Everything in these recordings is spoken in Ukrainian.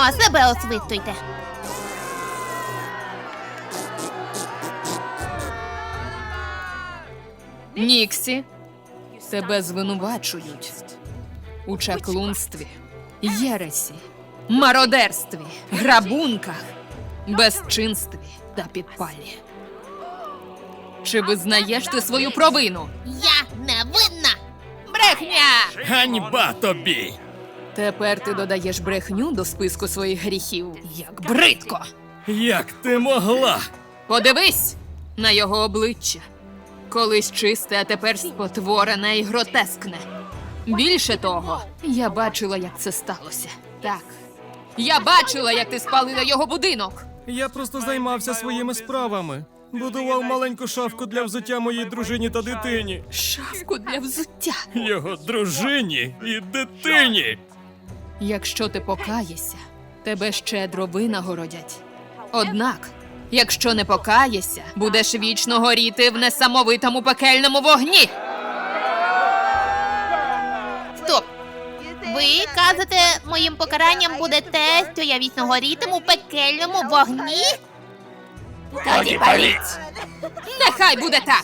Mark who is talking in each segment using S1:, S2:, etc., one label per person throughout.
S1: себе освистуйте.
S2: Ніксі, тебе звинувачують у чаклунстві, єресі, мародерстві, грабунках, безчинстві та підпалі. Чи визнаєш ти свою провину?
S1: Я невинна! Брехня!
S3: Ганьба тобі!
S2: Тепер ти додаєш брехню до списку своїх гріхів. Як бридко!
S3: Як ти могла?
S2: Подивись на його обличчя. Колись чисте, а тепер спотворене і гротескне. Більше того, я бачила, як це сталося. Так. Я бачила, як ти спалила його будинок.
S3: Я просто займався своїми справами. Будував маленьку шафку для взуття моїй дружині та дитині.
S2: Шафку для взуття.
S3: Його дружині і дитині.
S2: Якщо ти покаєшся, тебе щедро винагородять. Однак, якщо не покаєшся, будеш вічно горіти в несамовитому пекельному вогні.
S1: Стоп! Ви кажете, моїм покаранням буде те, що я вічно горітиму в пекельному вогні? Тоді паліть!
S2: Нехай буде так!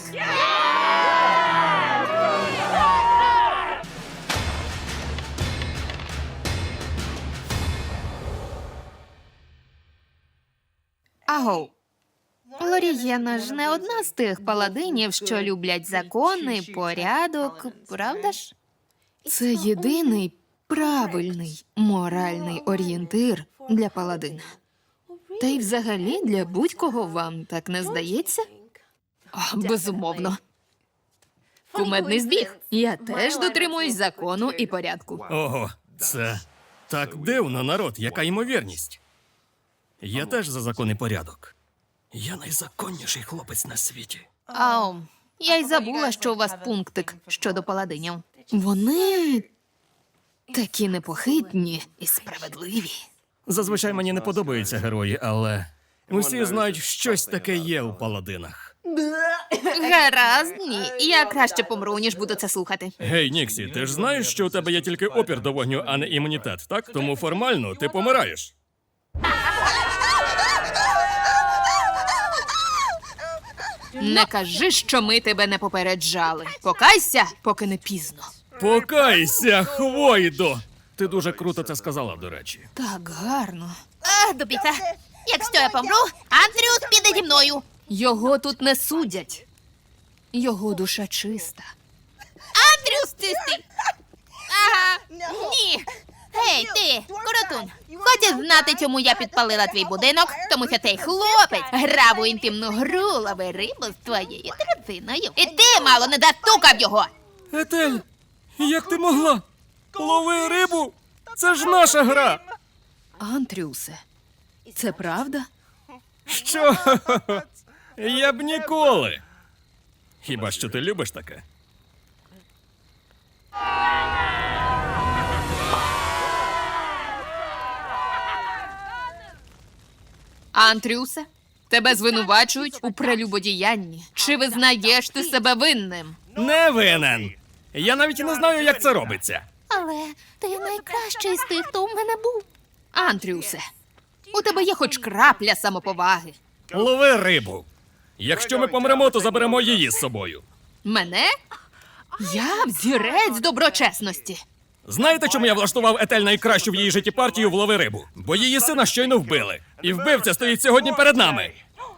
S2: Агоу. Лорієна ж не одна з тих паладинів, що люблять закони, порядок, правда ж? Це єдиний правильний моральний орієнтир для паладина. Та й взагалі для будь-кого, вам так не здається? О, безумовно. Кумедний збіг. Я теж дотримуюсь закону і порядку.
S3: Ого, це так дивно, народ, яка ймовірність. Я теж за закон і порядок. Я найзаконніший хлопець на світі.
S2: Ау, я й забула, що у вас пунктик щодо паладинів. Вони такі непохитні і справедливі.
S3: Зазвичай мені не подобаються герої, але усі знають, щось таке є у паладинах.
S2: Гаразд, ні. Я краще помру, ніж буду це слухати.
S3: Гей, Ніксі, ти ж знаєш, що у тебе є тільки опір до вогню, а не імунітет, так? Тому формально ти помираєш.
S2: Не кажи, що ми тебе не попереджали. Покайся, поки не пізно.
S3: Покайся, Хвойдо! Ти дуже круто це сказала, до речі.
S2: Так гарно.
S1: До біса! Якщо я помру, Андрюс піде зі мною!
S2: Його тут не судять. Його душа чиста.
S1: Андрюс чистий! Ага, ні! Гей, ти, коротун, хочеш знати, чому я підпалила твій будинок? Тому що цей хлопець грав у інтимну гру лови рибу з твоєю дружиною. І ти мало не застукав його!
S3: Етель, як ти могла? Лови рибу? Це ж наша гра!
S2: Антрюсе, це правда?
S3: Що? Я б ніколи. Хіба що ти любиш таке?
S2: Антрюсе, тебе звинувачують у прелюбодіянні. Чи визнаєш ти себе винним?
S3: Не винен. Я навіть і не знаю, як це робиться.
S1: Але ти найкращий з тих, хто у мене був.
S2: Антрюсе, у тебе є хоч крапля самоповаги.
S3: Лови рибу. Якщо ми помремо, то заберемо її з собою.
S2: Мене? Я взірець доброчесності.
S3: Знаєте, чому я влаштував Етель найкращу в її житті партію в лови рибу? Бо її сина щойно вбили. І вбивця стоїть сьогодні перед нами.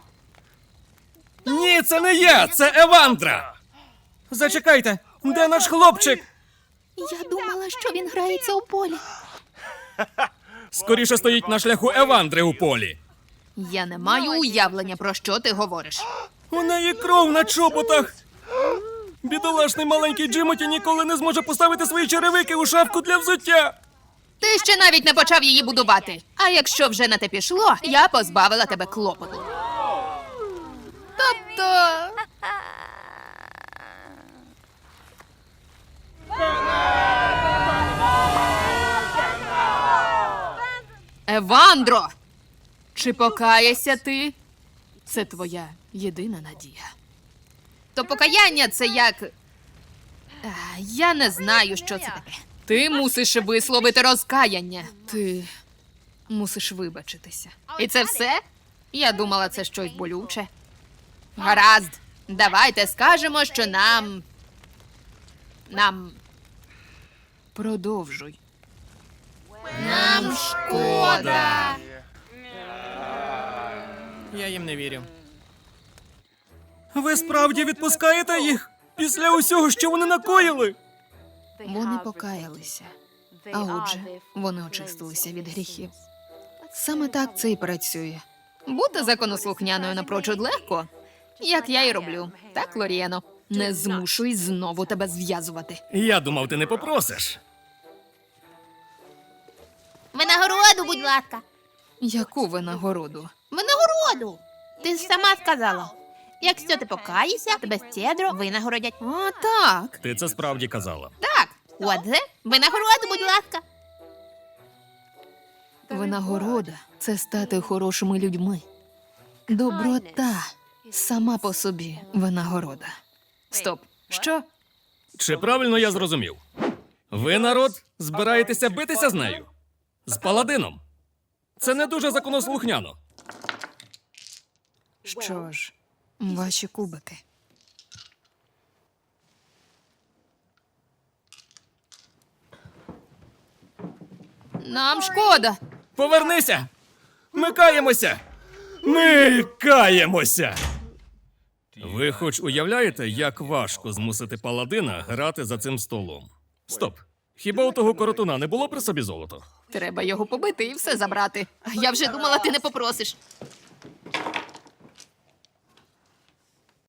S3: Ні, це не я, це Евандра. Зачекайте, де наш хлопчик?
S1: Я думала, що він грається у полі.
S3: Скоріше стоїть на шляху Евандри у полі.
S2: Я не маю уявлення, про що ти говориш.
S3: У неї кров на чоботах. Бідолашний маленький Джимоті ніколи не зможе поставити свої черевики у шафку для взуття.
S2: Ти ще навіть не почав її будувати. А якщо вже на те пішло, я позбавила тебе клопоту. Тобто... Евандро! Чи покаєшся ти? Це твоя єдина надія. То покаяння це як... Я не знаю, що це таке. Ти мусиш висловити розкаяння. Ти Мусиш вибачитися. І це все? Я думала, це щось болюче. Гаразд.
S1: Давайте скажемо, що нам.
S2: Продовжуй.
S1: Нам шкода.
S3: Я їм не вірю. Ви справді відпускаєте їх? Після усього, що вони накоїли?
S2: Вони покаялися. А отже, вони очистилися від гріхів. Саме так це і працює. Бути законослухняною напрочуд легко, як я і роблю. Так, Лорієно? Не змушуй знову тебе зв'язувати.
S3: Я думав, ти не попросиш.
S1: Винагороду, будь ласка.
S2: Яку винагороду?
S1: Винагороду. Ти ж сама сказала. Якщо ти покаєшся, тебе щедро винагородять.
S2: А, так.
S3: Ти це справді казала.
S1: Так, отже, винагороду, будь ласка.
S2: Винагорода це стати хорошими людьми. Доброта сама по собі винагорода. Стоп. Що?
S3: Чи правильно я зрозумів? Ви, народ, збираєтеся битися з нею? З паладином? Це не дуже законослухняно.
S2: Що ж, ваші кубики.
S1: Нам шкода.
S3: Повернися! Ми каємося! Ми каємося! Ви хоч уявляєте, як важко змусити паладина грати за цим столом? Стоп. Хіба у того коротуна не було при собі золото?
S2: Треба його побити і все забрати.
S1: Я вже думала, ти не попросиш.